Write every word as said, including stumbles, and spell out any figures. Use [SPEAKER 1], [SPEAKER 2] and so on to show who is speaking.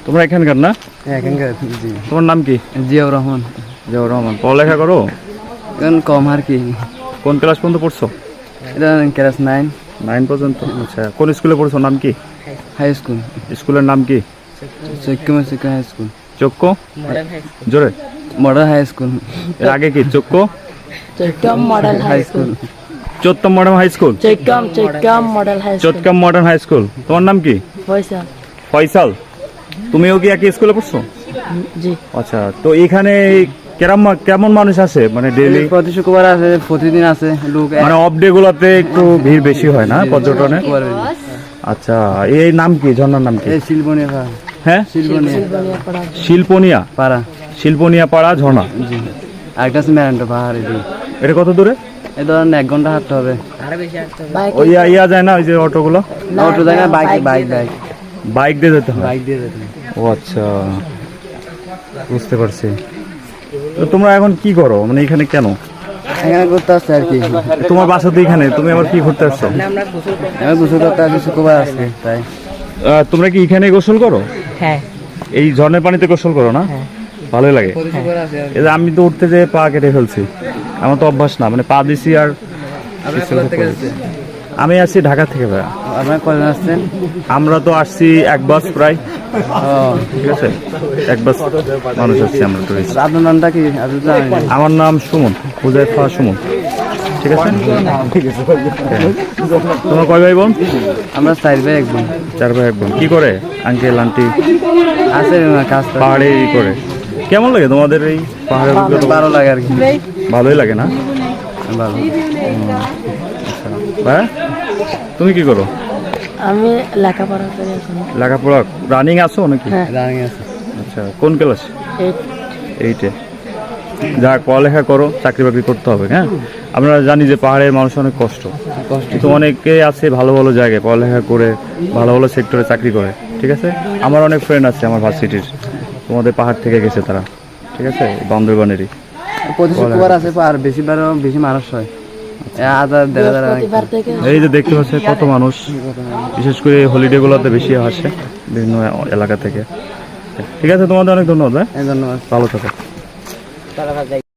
[SPEAKER 1] তোমরা এখানকার না?
[SPEAKER 2] এখানকার। জি।
[SPEAKER 1] তোমার নাম কি?
[SPEAKER 2] জিয়াউর রহমান।
[SPEAKER 1] জিয়াউর রহমান। পড়ালেখা করো?
[SPEAKER 2] এখন কম আর কি।
[SPEAKER 1] কোন ক্লাস পর্যন্ত পড়ছো?
[SPEAKER 2] এটা ক্লাস নাইন।
[SPEAKER 1] নাইন পর্যন্ত। আচ্ছা, কোন স্কুলে পড়ছো? নাম কি?
[SPEAKER 2] High school.
[SPEAKER 1] স্কুলের নাম কি?
[SPEAKER 2] চৈক্যমা চৈক্য হাই স্কুল।
[SPEAKER 1] চক্কো? জোরে।
[SPEAKER 2] Model high school.
[SPEAKER 1] এর আগে কি? চক্কো?
[SPEAKER 3] চৈক্যম মডেল হাই স্কুল।
[SPEAKER 1] চোত্তম মডার্ন হাই স্কুল।
[SPEAKER 3] চৈক্যম চৈক্যম মডেল হাই স্কুল।
[SPEAKER 1] চোত্তম মডার্ন হাই স্কুল। তোমার নাম কি?
[SPEAKER 3] ফয়সাল।
[SPEAKER 1] ফয়সাল। তুমিও কি একই স্কুলে পড়ছো?
[SPEAKER 3] জি।
[SPEAKER 1] আচ্ছা, তো এখানে কেমন কেমন মানুষ আসে মানে ডেইলি?
[SPEAKER 2] প্রতি শুক্রবার আছে, প্রতিদিন আছে লোক।
[SPEAKER 1] মানে অফ ডে গুলাতে একটু ভিড় বেশি হয় না পর্যটনে? আচ্ছা, এই নাম কি? ঝর্ণার নাম কি?
[SPEAKER 2] এই শিলবনিয়া পাড়া।
[SPEAKER 1] হ্যাঁ,
[SPEAKER 2] শিলবনিয়া
[SPEAKER 1] শিল্পনিয়া
[SPEAKER 2] পাড়া।
[SPEAKER 1] শিল্পনিয়া পাড়া ঝর্ণা।
[SPEAKER 2] জি। আরেকটা আছে মেরান্টো পাহাড়। এদিকে
[SPEAKER 1] এটা কত দূরে?
[SPEAKER 2] এই ধরেন এক ঘন্টা হাঁটতে হবে।
[SPEAKER 1] ওই ইয়া- ইয়া যায় না ওই যে অটোগুলো?
[SPEAKER 2] অটো যায় না, বাইক বাইক বাইক
[SPEAKER 1] বাইক দিয়ে যেতে হয়?
[SPEAKER 2] বাইক দিয়ে যেতে হবে।
[SPEAKER 1] ও আচ্ছা, বুঝতে পারছি। তো তোমরা এখন কি করো মানে এখানে কেন?
[SPEAKER 2] এখানে করতে আসছে আর কি।
[SPEAKER 1] তোমার বাসা তো এখানে, তুমি আবার কি করতে আসছো?
[SPEAKER 2] আমি গোসল করতে আসছি, শুক্রবার আসছে তাই।
[SPEAKER 1] আহ, তোমরা কি এখানে গোসল করো?
[SPEAKER 3] হ্যাঁ।
[SPEAKER 1] এই ঝর্ণার পানিতে গোসল করো না? ভালোই লাগে।
[SPEAKER 2] প্রতি শুক্রবার আসে আর কি।
[SPEAKER 1] এই যে আমি তো উঠতে যেয়ে পা কেটে ফেলছি, আমার তো অভ্যাস না, মানে পা দিছি আর
[SPEAKER 2] আপনার কোথা থেকে আসছে?
[SPEAKER 1] আমি আসছি ঢাকা থেকে ভাইয়া।
[SPEAKER 2] আপনার কজন আসছেন?
[SPEAKER 1] আমরা তো আসছি এক বাস প্রায়,
[SPEAKER 2] ও,
[SPEAKER 1] ঠিক আছে, এক বাস মানুষ আসছি আমরা টুরিস্ট।
[SPEAKER 2] আপনার নামটা কি? আপনি তো জানেন।
[SPEAKER 1] আমার নাম সুমন, হুজাইফা সুমন, ঠিক আছে। তোমার কয় ভাই বোন?
[SPEAKER 2] আমরা চার ভাই এক বোন।
[SPEAKER 1] চার ভাই এক বোন। কি করে আঙ্কেল আন্টি?
[SPEAKER 2] আছে না কাজ করে।
[SPEAKER 1] পাহাড়ে ই করে। কেমন লাগে তোমাদের এই পাহাড়ের অভিজ্ঞতা?
[SPEAKER 2] ভালো লাগে আর কি।
[SPEAKER 1] ভালোই লাগে না?
[SPEAKER 2] ভালো।
[SPEAKER 1] ভাই তুমি কি করো?
[SPEAKER 3] আমি লেখাপড়া করি এখন।
[SPEAKER 1] লেখাপড়া রানিং আছো নাকি?
[SPEAKER 3] হ্যাঁ।
[SPEAKER 2] রানিং আছে।
[SPEAKER 1] আচ্ছা, কোন ক্লাস?
[SPEAKER 3] এইট।
[SPEAKER 1] এইটে। যা পড়ালেখা করো, চাকরি বাকরি করতে হবে। হ্যাঁ, আমরা জানি যে পাহাড়ের মানুষ অনেক কষ্ট,
[SPEAKER 2] কষ্ট।
[SPEAKER 1] কিন্তু অনেকে আছে ভালো ভালো জায়গায় পড়ালেখা করে ভালো ভালো সেক্টরে চাকরি করে, ঠিক আছে। আমার অনেক ফ্রেন্ড আছে আমার ভার্সিটির, তোমাদের পাহাড় থেকে গেছে তারা, ঠিক আছে, বান্দরবানেরই।
[SPEAKER 2] প্রতি শুক্রবার আছে, আর বেশিবারও বেশি মানুষ হয়। এ হাজার দেড় হাজার।
[SPEAKER 3] প্রতিবার থেকে
[SPEAKER 1] এই যে দেখতে পাচ্ছে কত মানুষ, বিশেষ করে হলিডে গুলোতে বেশি আসে বিভিন্ন এলাকা থেকে। ঠিক আছে, তোমাদের অনেক ধন্যবাদ ভাই,
[SPEAKER 2] এই ধন্যবাদ।
[SPEAKER 1] ভালো থাকো।